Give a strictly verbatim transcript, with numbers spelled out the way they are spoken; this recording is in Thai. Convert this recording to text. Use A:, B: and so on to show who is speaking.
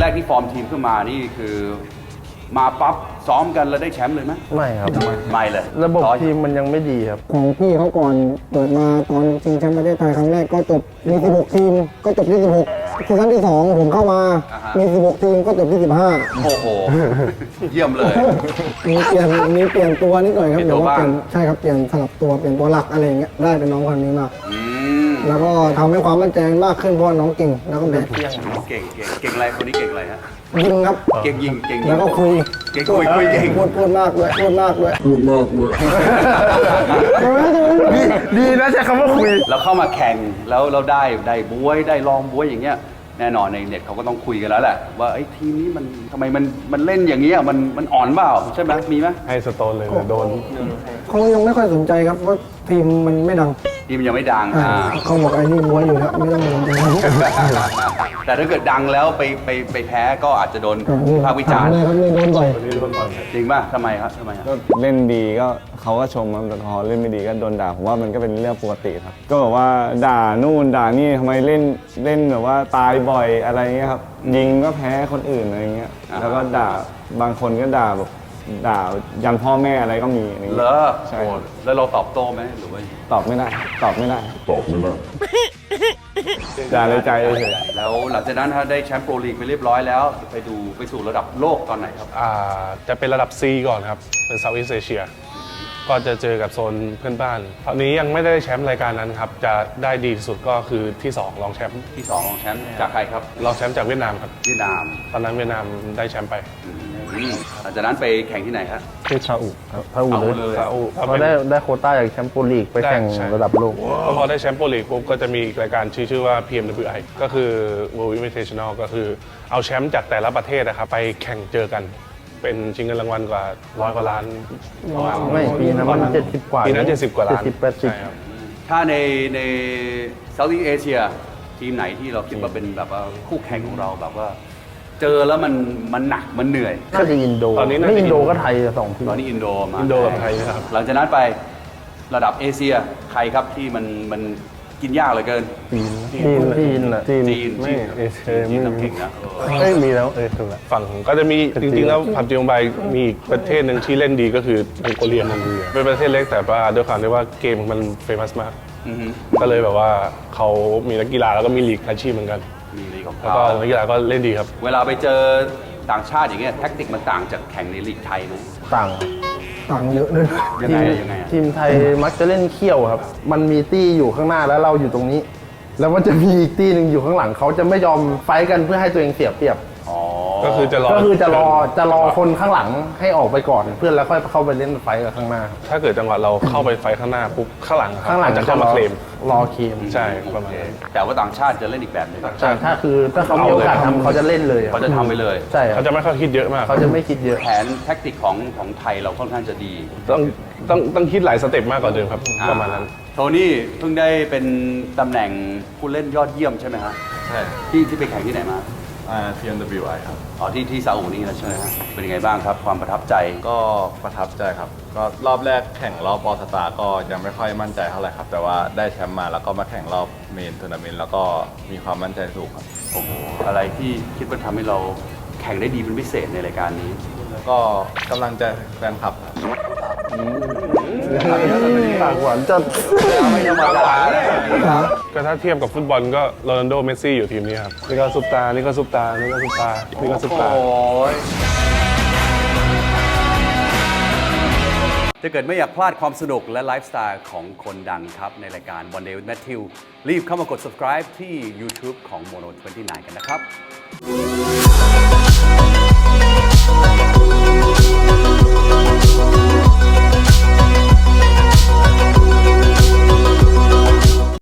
A: กที่ฟอร์มทีมขึ้นมานี่คือมาปั๊บซ้อมกันแล้วได้แชมป์เลยไหม
B: ไม่ครับ
A: ไม่เลย
B: ระบบทีมมันยังไม่ดีครับ
C: ของพี่เขาก่อนเปิดมาตอนชิงแชมป์ประเทศไทยครั้งแรกก็จบมีสิบหกทีมก็จบที่สิบหกซีซั่นที่สองผมเข้ามามีสิบหกทีมก็จบที่สิบห้า
A: โอ้โหเยี่ยมเลย
C: มีเปลี่ยนมีเปลี่ยนตัวนิดหน่อยครับเดี๋ยวว่าเปลี่ยนใช่ครับเปลี่ยนสลับตัวเปลี่ยนตัวหลักอะไรอย่างเงี้ยได้เป็นน้องคนนี้มากแล้วก็ทำให้ความมั่นใจมากขึ้นเพราะน้องเก่งแล้วก็แบบ
A: เก่งเก่งเก่งอะไรคนนี้เก่งอะไรฮะ
C: ยิงครับ
A: เก่งยิงเก่ง
C: แล้วก็คุย
A: เก่งคุยคุยเก่ง
C: พูดพูดมากด้วยพูดมากด้วยพูดมากด้วย
B: ดีดีนะใช้คำว่าคุย
A: เราเข้ามาแข่งแล้วเราได้ได้บวยได้ลองบวยอย่างเงี้ยแน่นอนในเน็ตเขาก็ต้องคุยกันแล้วแหละว่าไอ้ทีมนี้มันทำไมมันมันเล่นอย่างเงี้ยมันมันอ่อนเปล่าใช่ไหมมีไหม
B: ให้สโตนเลยโดน
C: เขายังไม่ค่อยสนใจครับว่าทีมมันไม่ดัง
A: ทีมยังไม่ดัง
C: เขาบอกไอ้นี่บวยอยู่แล้วไม่ต้องสนใจ
A: แต่ถ้าเกิดดังแล้วไปไปไปแพ้ก็อาจจะโดนภาควิจารณ์
C: เลยครับนี่โดนบ่อย
A: จริงป่ะทำไมครับทำไมครับ
D: ก็เล่นดีก็เขาก็ชมครับแต่พอเล่นไม่ดีก็โดนด่าผมว่ามันก็เป็นเรื่องปกติครับก็แบบว่าด่านู่นด่านี่ทำไมเล่นเล่นแบบว่าตายบ่อยอะไรเงี้ยครับยิงก็แพ้คนอื่นอะไรเงี้ยแล้วก็ด่าบางคนก็ด่าแบบด่ายันพ่อแม่อะไรก็มีอะไรเงี้
A: ยเหรอใช่แล้วเราตอบโต้ไหมหรือว่า
D: ตอบไม่ได้ตอบไม่ได้
E: ตอบไม่ได้
D: ด่าในใจเลย
A: แล้วหลังจากนั้นได้แชมป์โปรลีกไปเรียบร้อยแล้วไปดูไปสู่ระดับโลกตอนไหนครับ
B: อ่าจะเป็นระดับ C ก่อนครับเป็นเซาท์อีสต์เอเชียก็จะเจอกับโซนเพื่อนบ้านตอนนี้ยังไม่ได้แชมป์รายการนั้นครับจะได้ดีที่สุดก็คือที่สองรองแชมป์
A: ที่สองรองแชมป์จากใครครับ
B: รองแชมป์จากเวียดนามครับ
A: เวียดนาม
B: ตอนนั้นเวียดนามได้แชมป์ไป
A: หลังจากนั้นไปแข่งที่ไหนครับ
B: ที่ซาอุซาอุเลยซาอุ
D: เขาได้ได้โควต้าจากแชมป์โปรลีกไปแข่งระดับโลก
B: พอได้แชมป์โปรลีกปุ๊บก็จะมีรายการชื่อชื่อว่า พี เอ็ม ดับเบิลยู ไอ ก็คือ World Invitational ก็คือเอาแชมป์จากแต่ละประเทศนะครับไปแข่งเจอกันเป็นชิงเงินรางวัลกว่าร้อยกว่าล้าน
D: ไม่ปีนั้นมันเจ็ดสิบกว่า
B: ปีนั้นเจ็ดสิบกว่าล้าน
D: ใช่
A: ครับถ้าในในเซาท์อีสต์เอเชียทีมไหนที่เราคิดว่าเป็นแบบว่าคู่แข่งของเราแบบว่าเจอแล้วมันมันหนักมันเหนื่อย
D: ก็จะอินโด
B: ตอนนี้
D: ไม่อินโดก็ไทยสองที
A: ตอนนี้อินโดมา
B: อินโดกับไทยครับ
A: หลังจากนั้นไประดับเอเชียใครครับที่มันมันกินยากเหลือเกิน
D: จีนจีนจีน
A: จีนจีน
D: ไม่เอเชียไม่
A: เก่งนะ
D: ไม่มีแล้วเออถูกแล้ว
B: ฝั่งก็จะมีจริงๆแล้วผับจีนไบมีประเทศหนึ่งที่เล่นดีก็คือมองโกเลียมองโกเลียเป็นประเทศเล็กแต่ว่าด้วยความที่ว่าเกมมันเฟมัสมากก็เลยแบบว่าเขามีนักกีฬาแล้วก็มีลีกอาชีพเหมือนกัน
A: มีลีกของ
B: เขาแล้วก็นักกีฬาก็เล่นดีครับ
A: เวลาไปเจอต่างชาติอย่างเงี้ยแท็กติกมันต่างจากแข่งในลีกไทยไหม
D: ต่าง
C: ต่างเยอะเลย
A: ยังไงยังไง
D: ทีมไทยมักจะเล่นเขี้ยวครับมันมีตี้อยู่ข้างหน้าแล้วเราอยู่ตรงนี้แล้วมันจะมีอีกตี้หนึ่งอยู่ข้างหลังเขาจะไม่ยอมไฟกันเพื่อให้ตัวเองเสียเปรียบ
B: ก็คือจะรอ
D: ก็คือจะรอจะรอคนข้างหลังให้ออกไปก่อนเพื่อนแล้วค่อยเข้าไปเล่นไฟกับข้างหน้า
B: ถ้าเกิดจังหวะเราเข้าไปไฟข้างหน้าปุ๊บข้างหลังข้างหลังจะเข้ามาเคลม
D: รอเคลม
B: ใช่ประมาณนั้น
A: แต่ว่าต่างชาติจะเล่นอีกแบบนึง
D: ใช่ถ้าคือถ้าเขามีโอกาสทำเขาจะเล่นเลย
A: เขาจะทำไปเลย
D: ใช่
B: เขาจะไม่ค่อยคิดเยอะมาก
D: เขาจะไม่คิดเยอะ
A: แผนแท็กติกของของไทยเราค่อนข้างจะดี
B: ต้องต้องต้องคิดหลายสเต็ปมากกว่าเดิมครับประมาณนั้น
A: โทนี่เพิ่งได้เป็นตำแหน่งผู้เล่นยอดเยี่ยมใช่ไหมฮะ
E: ใช่
A: ที่ที่ไปแข่งที่ไหนมา
E: อ่า พี เอ็ม ดับเบิลยู ไอ ครับ
A: อ๋อที่ที่ซาอุนี่นะใช่ไหมฮะเป็นยังไงบ้างครับความประทับใจ
E: ก็ประทับใจครับก็รอบแรกแข่งรอบออสตาก็ยังไม่ค่อยมั่นใจเท่าไหร่ครับแต่ว่าได้แชมป์มาแล้วก็มาแข่งรอบเมนทัวร์นาเมนต์แล้วก็มีความมั่นใจสูงครับ
A: โอ้โหอะไรที่คิดว่าทำให้เราแข่งได้ดีเป็นพิเศษในรายการนี้
E: ก็กำลังใจแฟนคลับ
D: ปากหวานจัด
A: ไม่ธรรมดาเลย
B: ก็ถ้าเทียบกับฟุตบอลก็โรนัลโดเมสซี่อยู่ทีมนี้ครับนี่ก็ซุปตานี่ก็ซุปตานี่ก็ซุปตานี่ก็ซุปตา
A: ถ้าเกิดไม่อยากพลาดความสนุกและไลฟ์สไตล์ของคนดังครับในรายการ One Day with Matthew รีบเข้ามากด subscribe ที่ YouTube ของ โมโน ยี่สิบเก้า กันนะครับ